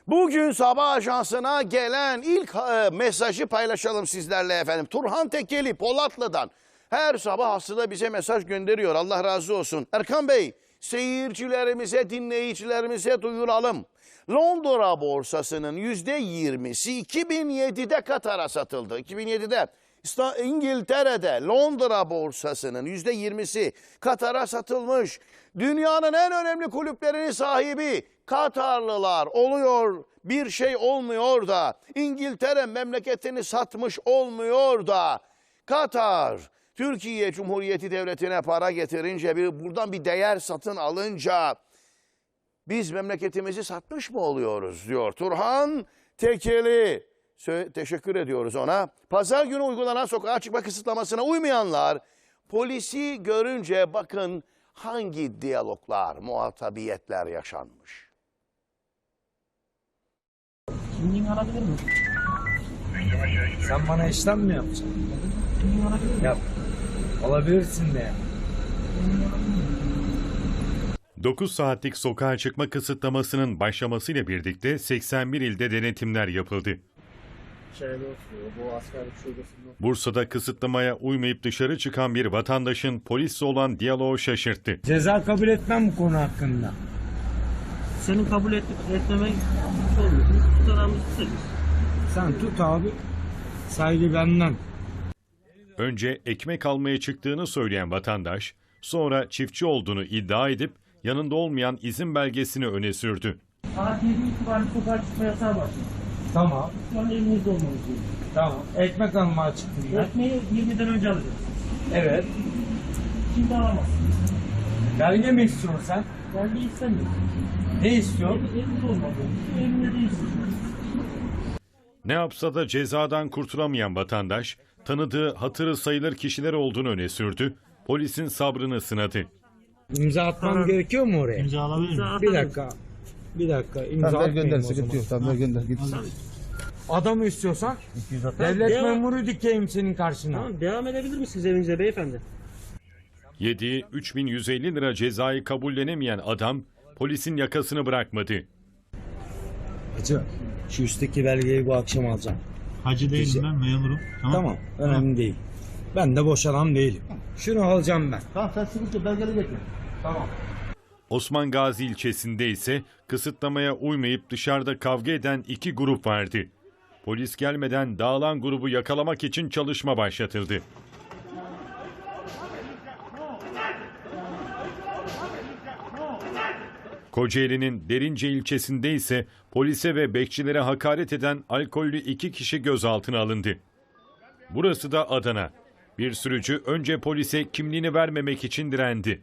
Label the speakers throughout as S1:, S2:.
S1: Bugün sabah ajansına gelen ilk mesajı paylaşalım sizlerle efendim. Turhan Tekeli Polatlı'dan her sabah aslında bize mesaj gönderiyor. Allah razı olsun. Erkan Bey, seyircilerimize, dinleyicilerimize duyuralım. Londra borsasının %20'si 2007'de Katar'a satıldı. 2007'de İngiltere'de Londra borsasının %20'si Katar'a satılmış. Dünyanın en önemli kulüplerinin sahibi Katarlılar oluyor. Bir şey olmuyor da İngiltere memleketini satmış olmuyor da Katar Türkiye Cumhuriyeti Devleti'ne para getirince buradan bir değer satın alınca biz memleketimizi satmış mı oluyoruz diyor Turhan Tekeli. Teşekkür ediyoruz ona. Pazar günü uygulanan sokağa çıkma kısıtlamasına uymayanlar polisi görünce bakın hangi diyaloglar, muhatabiyetler yaşanmış.
S2: Kimliğini alabilir miyim?
S3: Sen bana işlem mi yapacaksın? Yap. Alabilirsin de.
S4: 9 saatlik sokağa çıkma kısıtlamasının başlamasıyla birlikte 81 ilde denetimler yapıldı. Bursa'da kısıtlamaya uymayıp dışarı çıkan bir vatandaşın polisle olan diyaloğu şaşırttı.
S3: Ceza kabul etmem bu konu hakkında.
S2: Senin kabul etmemen olmuyor. Tutanağımızı tutarız.
S3: Sen tut abi. Saygı benden.
S4: Önce ekmek almaya çıktığını söyleyen vatandaş, sonra çiftçi olduğunu iddia edip yanında olmayan izin belgesini öne sürdü.
S2: Saat 7 itibariyle sokağa çıkma yasağı başlıyor.
S3: Tamam.
S2: Şu an evinizde olmamız gerekiyor.
S3: Tamam. Ekmek almaya çıktım ben.
S2: Ekmeği 20'den önce alacağız.
S3: Evet.
S2: Şimdi alamazsın.
S3: Belge mi istiyorsun sen?
S2: Belge istemiyorum.
S3: Ne istiyorsun?
S2: Evinde olmamız gerekiyor. Evinde değilsin.
S4: Ne yapsa da cezadan kurtulamayan vatandaş, tanıdığı hatırı sayılır kişiler olduğunu öne sürdü, polisin sabrını sınadı.
S3: İmza atmam gerekiyor mu oraya?
S2: İmza alabilir miyim?
S3: Bir dakika. Bir dakika. İmza
S5: Tamam,
S3: atmayayım
S5: gönder,
S3: o zaman.
S5: sıkıntı yok. Tamam, gönder, git.
S3: Adamı istiyorsan devlet
S2: Devam.
S3: memuru dikeyim senin karşına.
S2: Tamam, devam edebilir misiniz evinize beyefendi?
S4: Yediği 3.150 lira cezayı kabullenemeyen adam, polisin yakasını bırakmadı.
S3: Hacı, şu üstteki belgeyi bu akşam alacağım.
S6: Hacı değilim ben, memurum.
S3: Tamam, önemli değil. Ben de boş adam değilim. Şunu alacağım ben.
S5: Tamam, sen sıkıntı belgeli getir.
S3: Tamam.
S4: Osman Gazi ilçesinde ise kısıtlamaya uymayıp dışarıda kavga eden 2 grup vardı. Polis gelmeden dağılan grubu yakalamak için çalışma başlatıldı. Kocaeli'nin Derince ilçesinde ise polise ve bekçilere hakaret eden alkollü 2 kişi gözaltına alındı. Burası da Adana. Bir sürücü önce polise kimliğini vermemek için direndi.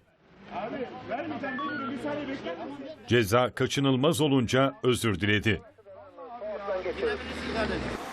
S4: Ceza kaçınılmaz olunca özür diledi.